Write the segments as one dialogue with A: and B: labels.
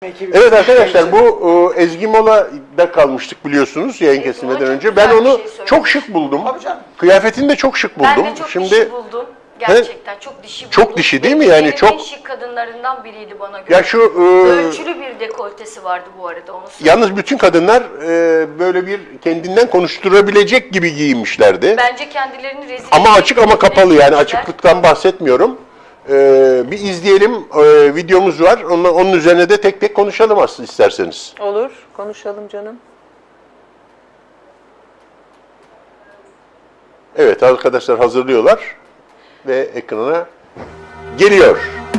A: Evet arkadaşlar, bu Ezgi Mola'da kalmıştık biliyorsunuz yayın kesilmeden önce. Ben onu çok şık buldum. Kıyafetini de çok şık buldum.
B: Ben de çok dişi buldum. Gerçekten çok dişi buldum.
A: Çok dişi değil mi? Yani çok
B: en şık kadınlarından biriydi bana göre.
A: Ya şu
B: ölçülü bir dekoltesi vardı bu arada, onu söyleyeyim.
A: Yalnız bütün kadınlar böyle bir kendinden konuşturabilecek gibi giyinmişlerdi.
B: Bence kendilerini rezil
A: ama açık ama kapalı, yani
B: giymişler.
A: açıklıktan bahsetmiyorum. Bir izleyelim, videomuz var. Onun üzerine de tek tek konuşalım aslında isterseniz.
C: Olur, konuşalım canım.
A: Evet, arkadaşlar hazırlıyorlar ve ekrana geliyor.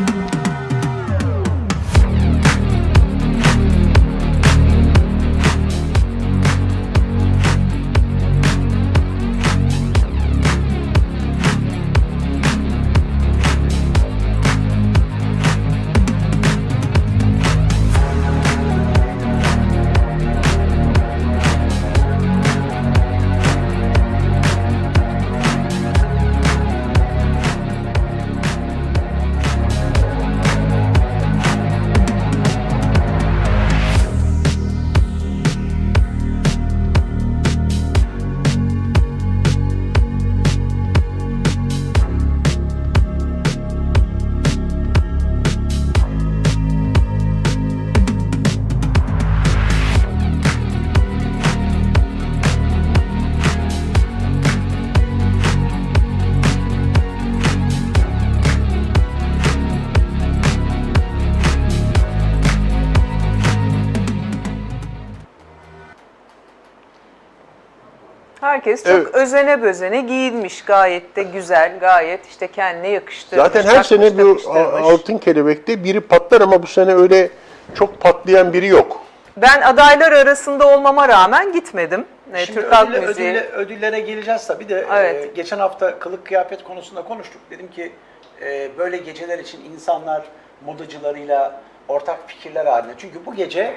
C: Herkes çok özene bözene giyinmiş, gayet de güzel, gayet işte kendine yakıştırmış.
A: Zaten her sene bu Altın Kelebek'te biri patlar ama bu sene öyle çok patlayan biri yok.
C: Ben adaylar arasında olmama rağmen gitmedim.
D: Şimdi
C: Türk Halk Müziği.
D: ödüllere geleceğiz tabii de
C: Evet.
D: geçen hafta kılık kıyafet konusunda konuştuk. Dedim ki böyle geceler için insanlar modacılarıyla ortak fikirler halinde. Çünkü bu gece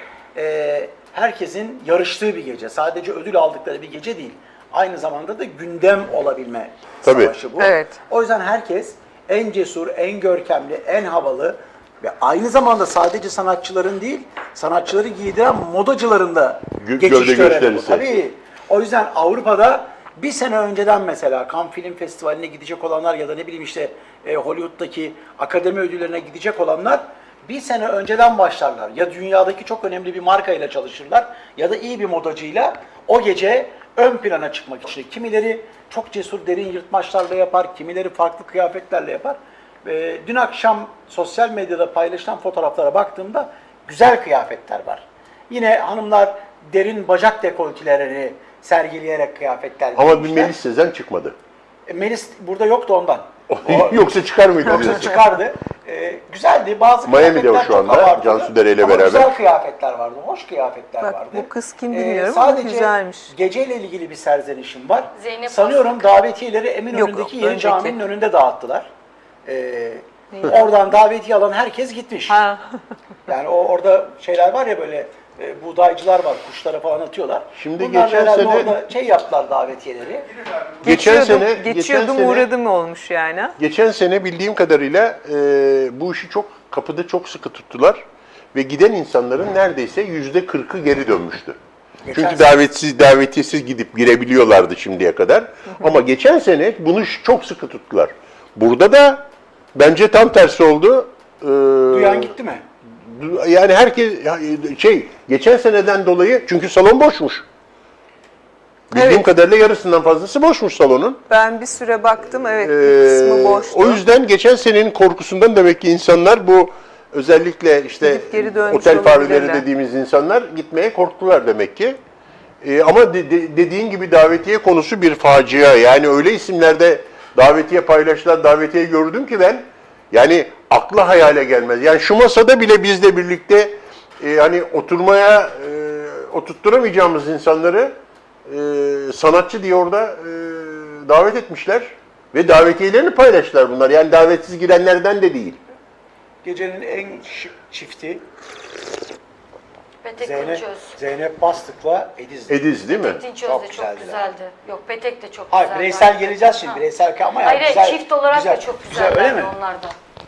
D: herkesin yarıştığı bir gece. Sadece ödül aldıkları bir gece değil. Aynı zamanda da gündem olabilme savaşı bu.
C: Evet.
D: O yüzden herkes en cesur, en görkemli, en havalı ve aynı zamanda sadece sanatçıların değil, sanatçıları giydiren modacıların da geçiş töreni bu. Tabii. O yüzden Avrupa'da bir sene önceden mesela Cannes Film Festivali'ne gidecek olanlar ya da ne bileyim işte Hollywood'daki akademi ödüllerine gidecek olanlar bir sene önceden başlarlar. Ya dünyadaki çok önemli bir markayla çalışırlar ya da iyi bir modacıyla o gece ön plana çıkmak için. Kimileri çok cesur derin yırtmaçlarla yapar, kimileri farklı kıyafetlerle yapar. Dün akşam sosyal medyada paylaşılan fotoğraflara baktığımda güzel kıyafetler var. Yine hanımlar derin bacak dekoltelerini sergileyerek kıyafetler giymişler.
A: Ama bir Melis Sezen çıkmadı.
D: Melis burada yoktu ondan.
A: Yoksa çıkar mıydı?
D: Yoksa çıkardı. Güzeldi. Bazı
A: Miami'de
D: kıyafetler
A: şu anda,
D: çok abartılı.
A: Cansu Dere ile
D: Ama
A: beraber.
D: güzel kıyafetler vardı, hoş kıyafetler
C: Bak,
D: vardı.
C: bu kız kim bilmiyorum ama
D: sadece
C: güzelmiş.
D: geceyle ilgili bir serzenişim var.
B: Zeynep
D: Sanıyorum davetiyeleri Eminönü'ndeki Yeni Cami'nin önünde dağıttılar. Oradan davetiye alan herkes gitmiş.
C: Ha.
D: Yani orada şeyler var ya böyle buğdaycılar var, kuşlara falan atıyorlar.
A: Şimdi
D: bunlar
A: geçen
D: herhalde
A: sene-
D: orada şey yaptılar davetiyeleri.
C: Geçiyordum uğradım olmuş yani.
A: Geçen sene bildiğim kadarıyla bu işi kapıda çok sıkı tuttular ve giden insanların neredeyse %40'ı geri dönmüştü. Çünkü davetiyesiz gidip girebiliyorlardı şimdiye kadar. Ama geçen sene bunu çok sıkı tuttular. Burada da bence tam tersi oldu.
D: Duyan gitti mi?
A: Yani herkes geçen seneden dolayı, çünkü salon boşmuş. Bildiğim
C: Evet.
A: kadarıyla yarısından fazlası boşmuş salonun.
C: Ben bir süre baktım, evet, bir kısmı boştu.
A: O yüzden geçen senenin korkusundan demek ki insanlar, bu özellikle işte
C: Gidip geri dönmüş
A: otel fareleri
C: olabilirler.
A: dediğimiz insanlar gitmeye korktular demek ki. Ama dediğin gibi davetiye konusu bir facia. Yani öyle isimlerde davetiye paylaşılan davetiye gördüm ki ben, yani akla hayale gelmez. Yani şu masada bile bizle birlikte hani oturmaya oturtturamayacağımız insanları sanatçı diye orada davet etmişler ve davetiyelerini paylaştılar bunlar. Yani davetsiz girenlerden de değil.
D: Gecenin en şık çifti
B: Petek
D: Zeynep,
B: Dinçöz.
D: Zeynep Bastık'la Ediz.
A: Ediz değil mi?
B: Petek Dinçöz
D: Çok
B: de
D: güzeldi.
B: çok güzeldi. Yok, Petek de çok
D: Hayır,
B: güzeldi.
D: bireysel geleceğiz şimdi.
B: Ha.
D: Bireysel ama yani
B: Hayır,
D: güzel,
B: çift olarak
D: güzel,
B: da çok
D: güzel,
B: güzellerdi
D: öyle mi?
B: onlar da.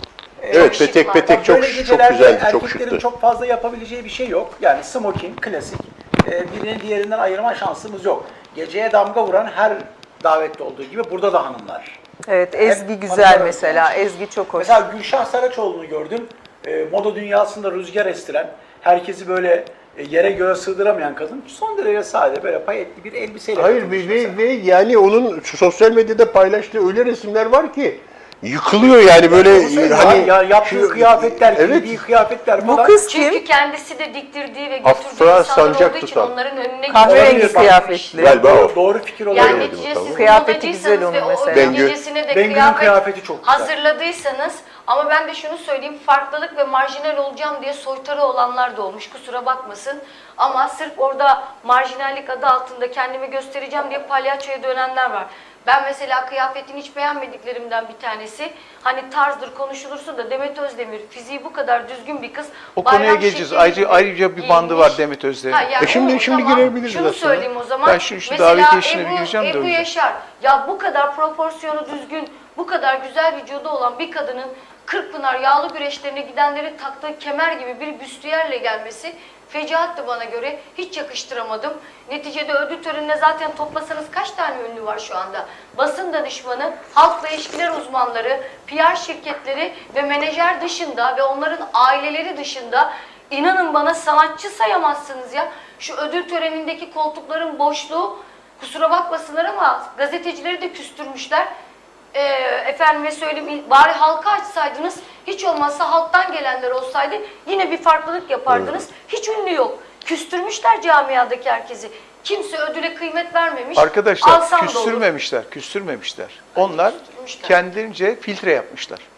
A: Evet,
B: şık
A: petek
B: var.
A: petek çok
D: Böyle
A: çok
D: gecelerde
A: güzeldi, çok
D: erkeklerin
A: şıktı.
D: çok fazla yapabileceği bir şey yok. Yani smoking, klasik. Birini diğerinden ayırma şansımız yok. Geceye damga vuran her davette olduğu gibi burada da hanımlar.
C: Evet, Ezgi
D: Hep
C: güzel
D: hanımlar
C: mesela.
D: örtüyor.
C: Ezgi çok hoş.
D: Mesela Gülşah Saraçoğlu'nu gördüm. Moda dünyasında rüzgar estiren, herkesi böyle yere göre sığdıramayan kadın. Son derece sade, böyle payetli bir elbiseyle
A: Hayır
D: katılmış
A: ve
D: mesela.
A: yani onun sosyal medyada paylaştığı öyle resimler var ki yıkılıyor yani böyle
D: Onu söyleyeyim
A: hani
D: ya, yaptığı kıyafetler,
A: evet,
D: giydiği kıyafetler
C: Bu
D: falan.
C: kız
B: Çünkü
C: kim?
B: kendisi de diktirdiği ve
A: Afra
B: götürdüğü insanlar
A: sancak
B: olduğu için
A: tutan.
B: onların önüne
C: Kahverengi
D: Olabilir, bak.
C: kıyafetli.
A: Galiba o.
D: Doğru fikir olabilir.
B: Yani
A: Göremedim
B: neticede
A: tamam.
B: siz
C: Kıyafeti güzel
B: modacıysanız
C: onun
B: ve o
C: mesela.
B: ödül gecesine de
D: Bengü'nün kıyafeti çok güzel.
B: hazırladıysanız, ama ben de şunu söyleyeyim, farklılık ve marjinal olacağım diye soytarı olanlar da olmuş, kusura bakmasın. Ama sırf orada marjinallik adı altında kendimi göstereceğim diye palyaçoya dönenler var. Ben mesela kıyafetini hiç beğenmediklerimden bir tanesi, hani tarzdır konuşulursa da Demet Özdemir fiziği bu kadar düzgün bir kız.
E: O konuya
B: bayram
E: geleceğiz.
B: şekli
E: Ayrıca bir bandı
B: giyinmiş.
E: var Demet Özdemir'in.
B: Ha, yani
A: şimdi
B: o
A: şimdi
B: zaman
A: girebiliriz
B: şunu
A: aslında.
B: söyleyeyim o zaman.
E: Ben şu
B: Mesela
E: davetiye işine bir gireceğim de
B: Ebru
E: önce.
B: Yaşar, ya bu kadar proporsiyonu düzgün, bu kadar güzel vücudu olan bir kadının Kırkpınar yağlı güreşlerine gidenlerin taktığı kemer gibi bir büstiyerle gelmesi fecaatti bana göre. Hiç yakıştıramadım. Neticede ödül törenine zaten toplasanız kaç tane ünlü var şu anda? Basın danışmanı, halkla ilişkiler uzmanları, PR şirketleri ve menajer dışında ve onların aileleri dışında, inanın bana, sanatçı sayamazsınız ya. Şu ödül törenindeki koltukların boşluğu, kusura bakmasınlar ama gazetecileri de küstürmüşler. Efendime söyleyeyim, bari halka açsaydınız, hiç olmazsa halktan gelenler olsaydı yine bir farklılık yapardınız. Hiç ünlü yok. Küstürmüşler camiadaki herkesi. Kimse ödüle kıymet vermemiş.
E: Arkadaşlar
B: Alsam da olur.
E: küstürmemişler. Onlar
B: Küstürmüşler.
E: kendilerince filtre yapmışlar.